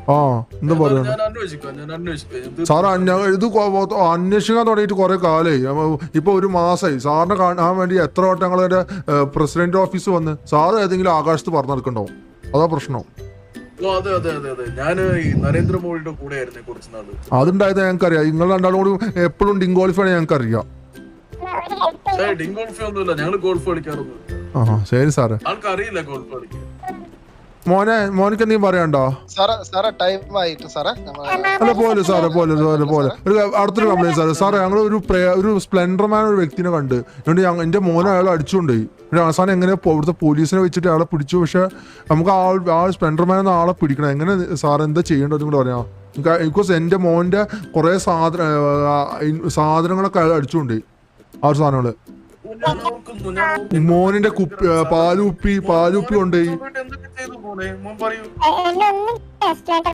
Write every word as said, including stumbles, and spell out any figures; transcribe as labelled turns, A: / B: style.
A: ആ എന്താ പറയാ സാറ് ഇത് അന്വേഷിക്കാൻ തുടങ്ങിയിട്ട് കുറെ കാലമായി. ഇപ്പൊ ഒരു മാസമായി. സാറിനെ കാണാൻ വേണ്ടി എത്ര വട്ടം ഞങ്ങളുടെ പ്രസിഡന്റ് ഓഫീസ് വന്ന് സാറ് ഏതെങ്കിലും ആകാശത്ത് പറഞ്ഞു നടക്കണ്ടാവും. അതാ പ്രശ്നം.
B: നരേന്ദ്രമോദിയുടെ കൂടെ ആയിരുന്നു കുറച്ച് നാള്.
A: അതുണ്ടായത് ഞങ്ങൾക്കറിയാം. നിങ്ങൾ രണ്ടാളും കൂടി എപ്പോഴും ഡിങ്കോൾഫാണ് ഞങ്ങൾക്കറിയാം.
B: ഡിങ്കോൾഫ് ഒന്നുമില്ല, ഞങ്ങള് ഗോൾഫ് കളിക്കാറൊന്നും.
A: ആ ശരി സാറേ.
B: ആൾക്ക് അറിയില്ല ഗോൾഫ് കളിക്കാൻ.
A: മോനെ മോനിക്ക് എന്തെങ്കിലും പറയാണ്ടോ? അല്ല പോലെ സാറേ പോലെ പോലെ പോലെ ഒരു അടുത്തൊരു കംപ്ലൈന്റ് സാറേ. സാറേ ഞങ്ങൾ ഒരു ഒരു സ്പ്ലെൻഡർമാൻ ഒരു വ്യക്തിനെ കണ്ട് എന്നിട്ട് എന്റെ മോനെ അയാൾ അടിച്ചുകൊണ്ടുപോയി. അവസാനം എങ്ങനെ ഇവിടുത്തെ പോലീസിനെ വെച്ചിട്ട് അയാളെ പിടിച്ചു. പക്ഷെ നമുക്ക് ആ ആ സ്പ്ലെൻഡർമാൻ എന്ന ആളെ പിടിക്കണം. എങ്ങനെ സാർ എന്താ ചെയ്യേണ്ടത് കൂടെ പറയാം? ബിക്കോസ് എന്റെ മോന്റെ കുറെ സാധന സാധനങ്ങളൊക്കെ അയാൾ അടിച്ചുകൊണ്ടുപോയി. ആ ഒരു സാധനങ്ങള് മോനിന്റെ കുപ്പി പാലുപ്പി പാലുപ്പി കൊണ്ടുപോയി.